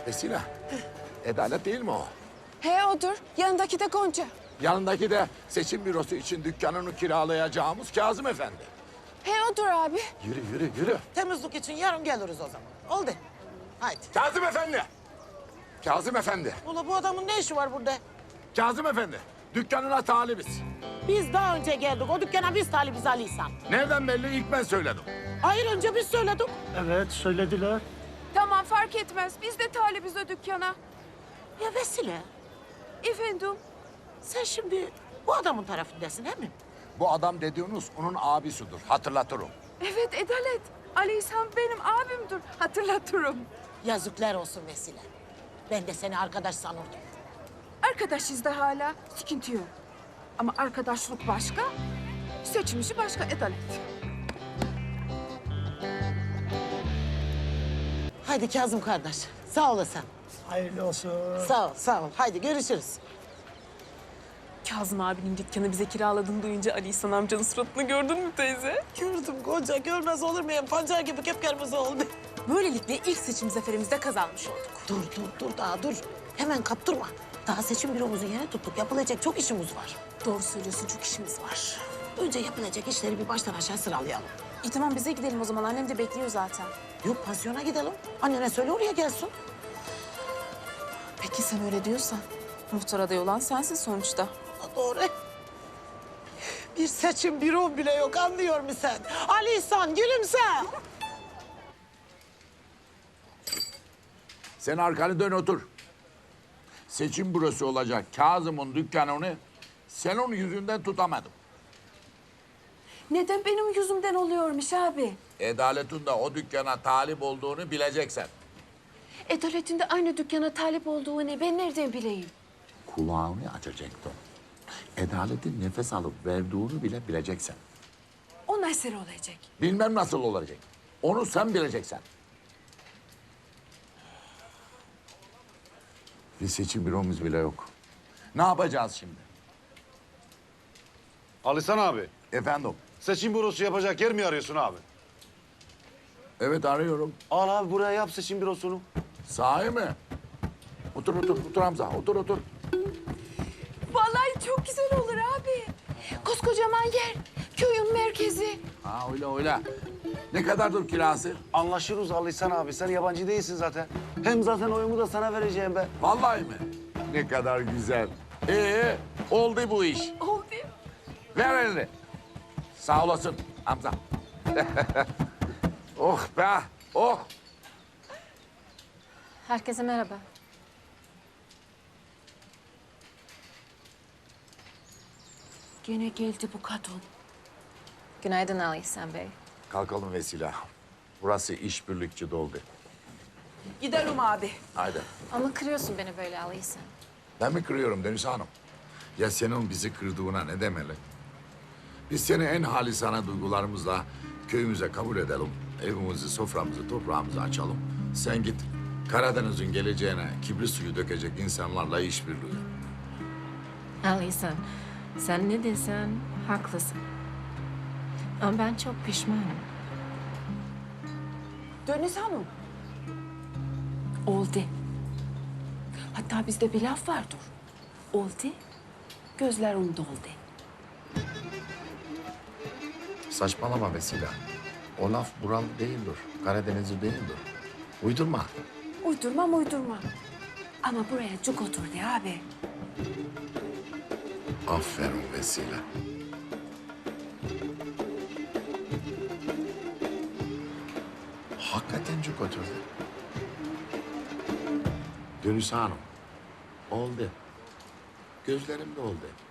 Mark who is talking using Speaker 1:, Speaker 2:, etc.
Speaker 1: Vesile, Adalet değil mi o?
Speaker 2: He odur. Yanındaki de Gonca.
Speaker 1: Yanındaki de seçim bürosu için dükkanını kiralayacağımız Kazım Efendi.
Speaker 2: He odur abi.
Speaker 1: Yürü, yürü, yürü.
Speaker 3: Temizlik için yarın geliriz o zaman. Oldu. Haydi.
Speaker 1: Kazım Efendi! Kazım Efendi!
Speaker 3: Ula bu adamın ne işi var burada?
Speaker 1: Kazım Efendi! Dükkanına talibiz.
Speaker 3: Biz daha önce geldik. O dükkana biz talibiz Ali İhsan.
Speaker 1: Nereden belli? İlk ben söyledim.
Speaker 3: Hayır önce biz söyledik.
Speaker 4: Evet, söylediler.
Speaker 2: Tamam fark etmez. Biz de talibiz o dükkana.
Speaker 3: Ya Vesile,
Speaker 2: Efendim?
Speaker 3: sen şimdi bu adamın tarafındasın değil mi?
Speaker 1: Bu adam dediğiniz onun abisidir. Hatırlatırım.
Speaker 2: Evet Adalet. Ali İhsan benim abimdir. Hatırlatırım.
Speaker 3: Yazıklar olsun Vesile. Ben de seni arkadaş sanırdım.
Speaker 2: Arkadaşız da hala. Sıkıntı yok. Ama arkadaşlık başka, seçim işi başka Adalet.
Speaker 3: Haydi Kazım kardeş. Sağ olasın.
Speaker 4: Hayırlı olsun.
Speaker 3: Sağ ol, sağ ol. Haydi görüşürüz.
Speaker 5: Kazım abinin dükkanı bize kiraladığını duyunca Ali İhsan amcanın suratını gördün mü teyze?
Speaker 3: Gördüm Gonca. Görmez olur muyum? Pancar gibi kıpkırmızı oldu.
Speaker 5: Böylelikle ilk seçim zaferimizde kazanmış olduk.
Speaker 3: Dur daha dur. Hemen kaptırma. Daha seçim büromuzun yeni tuttuk. Yapılacak çok işimiz var.
Speaker 5: Doğru söylüyorsun, çok işimiz var.
Speaker 3: Önce yapılacak işleri bir baştan aşağı sıralayalım.
Speaker 5: İyi tamam bize gidelim o zaman. Annem de bekliyor zaten.
Speaker 3: Yok pansiyona gidelim. Annene söyle oraya gelsin.
Speaker 5: Peki sen öyle diyorsan. Muhtar adayı olan sensin sonuçta.
Speaker 3: Doğru. Bir seçim bürom bile yok anlıyor musun sen? Ali İhsan gülümse.
Speaker 1: Sen arkanı dön otur. Seçim bürosu olacak Kazım'ın dükkanını senin yüzünden tutamadım.
Speaker 2: Neden benim yüzümden oluyormuş abi?
Speaker 1: Adalet'in de o dükkana talip olduğunu bileceksen.
Speaker 2: Adalet'in de aynı dükkana talip olduğunu ben nereden bileyim?
Speaker 1: Kulağını açacaktın. Adalet'in nefes alıp verdiğini bile bileceksen.
Speaker 2: O nasıl olacak?
Speaker 1: Bilmem nasıl olacak. Onu sen bileceksen. Bir seçim büromuz bile yok. Ne yapacağız şimdi?
Speaker 6: Alisan abi,
Speaker 1: Efendim?
Speaker 6: seçim bürosu yapacak yer mi arıyorsun abi?
Speaker 1: Evet arıyorum.
Speaker 6: Al abi buraya yap seçim bürosunu.
Speaker 1: Sahi mi? Otur Hamza. Otur.
Speaker 2: Vallahi çok güzel olur abi. Koskocaman yer, köyün merkezi.
Speaker 1: Ha öyle. Ne kadardır kirası?
Speaker 6: Anlaşırız Alisan abi, sen yabancı değilsin zaten. Hem zaten oyumu da sana vereceğim ben.
Speaker 1: Vallahi mi? Ne kadar güzel. Oldu bu iş.
Speaker 2: Oldu.
Speaker 1: Ver elini. Sağ olasın Hamza. Oh be, oh.
Speaker 7: Herkese merhaba.
Speaker 2: Gene geldi bu kadın.
Speaker 7: Günaydın Ali İhsan Bey.
Speaker 1: Kalkalım Vesile. Burası işbirlikçi doldu.
Speaker 2: Gidelim abi.
Speaker 1: Haydi.
Speaker 7: Ama kırıyorsun beni böyle Ali İhsan.
Speaker 1: Ben mi kırıyorum Deniz Hanım? Ya senin bizi kırdığına ne demeli? Biz seni en halisane duygularımızla köyümüze kabul edelim. Evimizi, soframızı, toprağımızı açalım. Sen git Karadeniz'in geleceğine kibrit suyu dökecek insanlarla işbirliği.
Speaker 7: Ali İhsan, sen ne desen haklısın. Ama ben çok pişmanım.
Speaker 2: Deniz Hanım. Oldu. Hatta bizde bir laf vardır. Oldu, gözlerim doldu.
Speaker 1: Saçmalama Vesile. O laf buralı değildir. Karadenizli değildir. Uydurma.
Speaker 2: Uydurmam. Ama buraya cuk oturdu abi.
Speaker 1: Aferin Vesile. Hakikaten çok oturdu. Gönüs Hanım. Oldu. Gözlerim de oldu.